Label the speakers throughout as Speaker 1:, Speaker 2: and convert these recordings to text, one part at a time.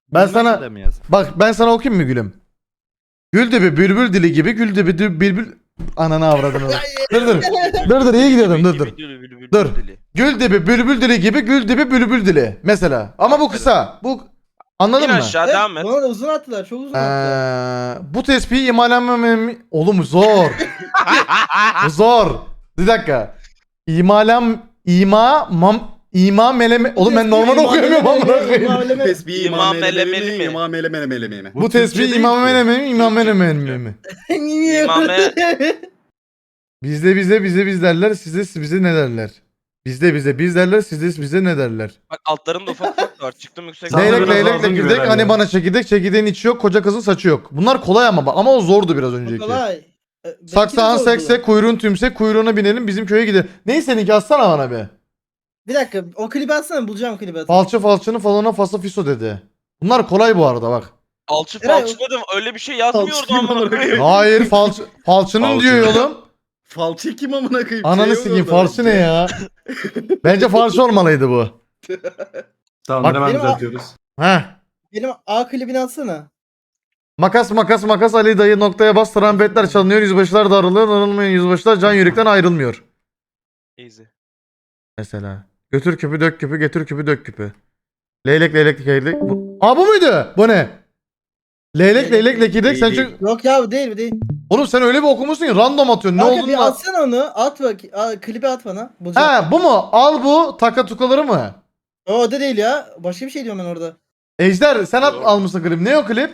Speaker 1: Ben
Speaker 2: Bilmem
Speaker 1: sana
Speaker 2: de mi yazayım?
Speaker 1: bak ben sana okuyayım mı gülüm? Gül dibi bülbül dili gibi gül dibi bülbül ananı avradını. Dur iyi gidiyordum dur. Dur. Gül dibi bülbül dili gibi gül dibi bülbül dili mesela. Ama bu kısa. Bu anladın
Speaker 3: İn
Speaker 1: mı?
Speaker 3: aşağı
Speaker 4: Evet,
Speaker 3: devam et.
Speaker 4: bana da uzun attılar. Çok uzun attılar.
Speaker 1: Bu tespihi imalenmemem... Oğlum zor. Bu zor. Bir dakika. İma meleme... Oğlum ben normal okuyamıyorum amına koyayım.
Speaker 5: Tesbih
Speaker 3: İmam
Speaker 5: imam elemeli
Speaker 3: elemeli
Speaker 5: mi?
Speaker 3: mi?
Speaker 5: İmam elemeli mi?
Speaker 1: Bu tespihi imam meleme mi? İmam meleme mi?
Speaker 3: İmame
Speaker 1: Biz derler size bize ne derler? Biz derler size bize ne derler?
Speaker 3: bak altlarında ufak ufak var. Çıktım yüksek.
Speaker 2: Sana
Speaker 1: Leylek
Speaker 2: biraz
Speaker 1: leylek
Speaker 2: lazım gibi
Speaker 1: çekirdek
Speaker 2: herhalde.
Speaker 1: hani bana çekirdek çekirdeğin içi yok koca kızın saçı yok. Bunlar kolay ama o zordu biraz önceki.
Speaker 4: Kolay. Belki de
Speaker 1: Saksağın
Speaker 4: zordu.
Speaker 1: sekse kuyruğun tümsek kuyruğuna binelim bizim köye gidelim. Neyse seninki atsana bana be.
Speaker 4: Bir dakika o klibi atsana bulacağım klibi atayım.
Speaker 1: Falçı falçının falona fasa fiso dedi. Bunlar kolay bu arada bak.
Speaker 3: Alçı
Speaker 4: Eray,
Speaker 3: falçı dedim. Öyle bir şey yazmıyordu
Speaker 5: Falçı kim
Speaker 3: amına
Speaker 5: amına
Speaker 3: koyayım.
Speaker 5: koyayım?
Speaker 1: Hayır falçının
Speaker 3: Falçı.
Speaker 1: diyor oğlum.
Speaker 5: Falçı kim amına koyayım?
Speaker 1: Ananı
Speaker 5: Şey
Speaker 1: sikeyim
Speaker 5: yok orada.
Speaker 1: falçı ne ya? Bence falçı olmalıydı bu.
Speaker 2: Tamam
Speaker 1: Bak-
Speaker 2: hemen
Speaker 4: Benim-
Speaker 2: düzeltiyoruz.
Speaker 1: Heh.
Speaker 4: Benim A klibini atsana.
Speaker 1: Makas Ali dayı noktaya bas trompetler çalınıyor yüzbaşılar darılıyor darılmayan yüzbaşılar can yürekten ayrılmıyor.
Speaker 3: Easy.
Speaker 1: Mesela. Götür küpü dök küpü getir küpü dök küpü. Leylek leylek. Bu muydu? Bu ne? Leylek leylek sen
Speaker 5: Değil.
Speaker 1: çünkü...
Speaker 4: Yok ya bu değil bu değil.
Speaker 1: Oğlum sen öyle bir okumuşsun ki random atıyorsun. Ne
Speaker 4: Kanka
Speaker 1: olduğunu
Speaker 4: bir
Speaker 1: da...
Speaker 4: atsana onu. At bak. Klibi at bana. Bulacağım.
Speaker 1: Ha bu mu? Al bu takatukaları mı?
Speaker 4: O da değil ya. Başka bir şey diyorum ben orada.
Speaker 1: Ejder sen
Speaker 5: Yok.
Speaker 1: almışsın klip. Ne o klip?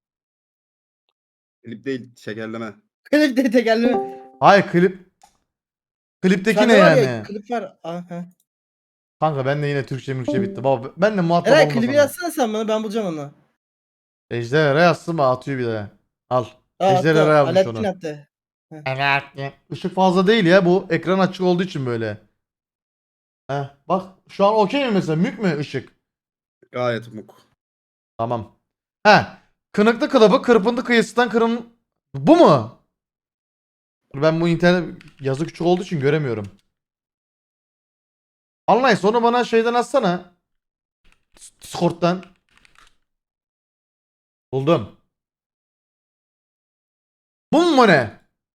Speaker 5: Klip değil şekerleme.
Speaker 4: Klip de tekerleme.
Speaker 1: Hayır klip. Klipteki
Speaker 4: Sende
Speaker 1: ne
Speaker 4: var ya,
Speaker 1: yani?
Speaker 4: klip var. Aha.
Speaker 1: Kanka ben de yine Türkçe bitti. Baba ben de muhatap
Speaker 4: Eray
Speaker 1: olmasam.
Speaker 4: klibi atsana sen bana ben bulacağım onu.
Speaker 1: Ejder yazsın mı atıyor bir de. Al.
Speaker 4: Aa,
Speaker 1: Ejder
Speaker 4: attı.
Speaker 1: Eray yapmış
Speaker 4: Alaaddin
Speaker 1: onu.
Speaker 4: attı.
Speaker 1: Evet. Işık fazla değil ya bu ekran açık olduğu için böyle. Heh, bak şu an okey mi mesela mük mü ışık?
Speaker 5: Gayet muk.
Speaker 1: Tamam. He. Kınıklı kılıbı kırpıntı kıyısından kırın... Bu mu? Dur, ben bu internet yazı küçük olduğu için göremiyorum. Anlayın sonra bana şeyden atsana. Discord'dan. Buldum. Bu mu ne?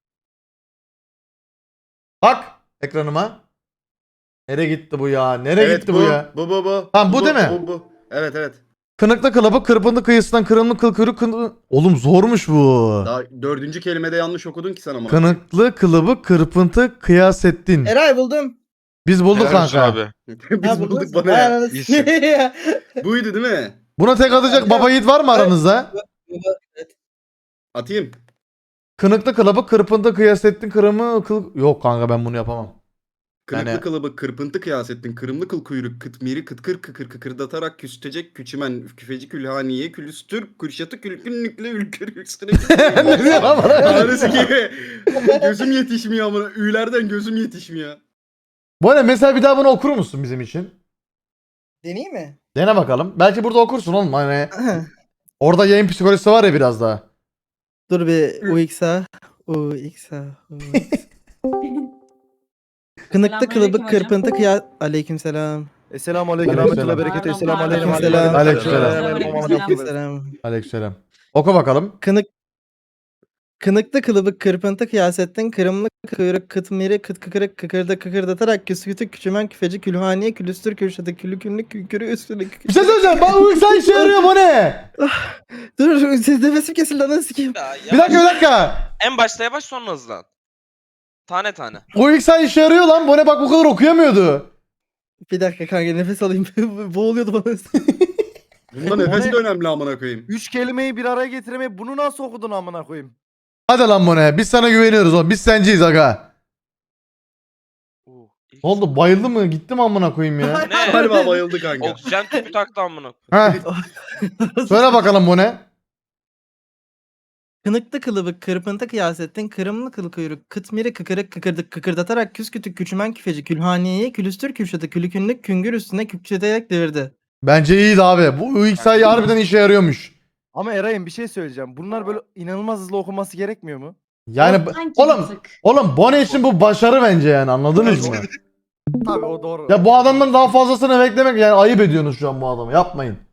Speaker 1: Bak ekranıma. Nereye gitti bu ya? Nereye gitti bu ya?
Speaker 5: Bu.
Speaker 1: Tamam, bu değil mi?
Speaker 5: Bu. Evet.
Speaker 1: Kınıklı kılıbı kırpıntı kıyısından kırımlı kıl kuyruk Oğlum zormuş bu.
Speaker 5: Daha dördüncü kelimede yanlış okudun ki sen ama.
Speaker 1: Kınıklı kılıbı kırpıntı kıyasettin.
Speaker 4: Eray buldum.
Speaker 1: Biz bulduk
Speaker 3: Helal olsun
Speaker 1: kanka.
Speaker 3: abi.
Speaker 5: Biz
Speaker 4: Ha,
Speaker 5: bulduk
Speaker 4: buldun.
Speaker 5: bana
Speaker 4: Vay
Speaker 5: ya.
Speaker 4: ananı
Speaker 3: İyisin.
Speaker 4: sikeyim.
Speaker 5: Buydu değil mi?
Speaker 1: Buna tek atacak baba yiğit var mı aranızda?
Speaker 5: Atayım.
Speaker 1: Kınıklı kılıbı kırpıntı kıyasettin kırımı kıl... Yok kanka ben bunu yapamam.
Speaker 5: Kırıklı
Speaker 1: Yani-
Speaker 5: kılıbı kırpıntı kıyas ettin. Kırımlı kıl kuyruk kıtmiri kıtkır kıkır kıkırdatarak küstecek küçümen küfeci külhaniye külüstür kürşatı külkünlükle ülkür üstüne
Speaker 1: Ne diyor lan bana?
Speaker 5: Tanrısı gibi. Gözüm yetişmiyor amına. Ü'lerden gözüm yetişmiyor.
Speaker 1: Bu ne mesela bir daha bunu okur musun bizim için?
Speaker 4: Deneyeyim mi?
Speaker 1: Dene bakalım. Belki burada okursun oğlum hani. Orada yayın psikolojisi var ya biraz daha.
Speaker 4: Dur bir UX'a. Kınıklı kılıbık kırpıntı Aleykümselam.
Speaker 2: Esselamu aleyküm.
Speaker 1: Aleykümselam.
Speaker 2: Rahmetullah bereketi. Esselamu aleyküm.
Speaker 4: Aleykümselam.
Speaker 1: Aleykümselam. Aleykümselam. Oku bakalım.
Speaker 4: Kınıklı kılıbık kırpıntı kıyasettin kırımlı kuyruk kıtmiri kıt kıkırık kıkırdatarak küskütü küçümen küfeci külhaniye külüstür kürşatı külükünlük kükürü üstüne
Speaker 1: Bir şey söyleyeceğim. Bak bu sen işe yarıyor bu ne?
Speaker 4: Dur siz nefesim kesildi ananı sikeyim.
Speaker 3: Ya,
Speaker 1: Bir dakika.
Speaker 3: En başta yavaş sonra hızlan. Tane tane.
Speaker 1: O ilk sen işe yarıyor lan. Bu ne bak bu kadar okuyamıyordu.
Speaker 4: Bir dakika kanka nefes alayım. Boğuluyordu bana.
Speaker 5: Bunda nefes de önemli amına koyayım.
Speaker 2: 3 kelimeyi bir araya getirmeyi bunu nasıl okudun amına koyayım?
Speaker 1: Hadi lan bu ne? Biz sana güveniyoruz oğlum. Biz senciyiz aga.
Speaker 3: İlk-
Speaker 1: Ne oldu? Bayıldı mı? Gitti mi amına koyayım ya?
Speaker 3: Ne?
Speaker 5: Galiba bayıldı kanka.
Speaker 3: Oksijen tüpü taktı amına.
Speaker 1: Heh. Söyle bakalım bu ne?
Speaker 4: Kınıklı kılıbık kırpıntı kıyasettin kırımlı kıl kuyruk kıtmiri kıkırık kıkırdık kıkırdatarak küskütük küçümen küfeci külhaniyeyi külüstür kürşatı külükünlük küngür üstüne küpçeterek devirdi.
Speaker 1: Bence iyiydi abi. Bu ilk sayı harbiden işe yarıyormuş.
Speaker 2: Ama Eray'ım bir şey söyleyeceğim. Bunlar böyle inanılmaz hızlı okunması gerekmiyor mu?
Speaker 1: Yani oğlum Bone için bu başarı bence yani anladınız mı?
Speaker 2: Tabii o doğru.
Speaker 1: Ya bu adamdan daha fazlasını beklemek yani ayıp ediyorsunuz şu an bu adamı. Yapmayın.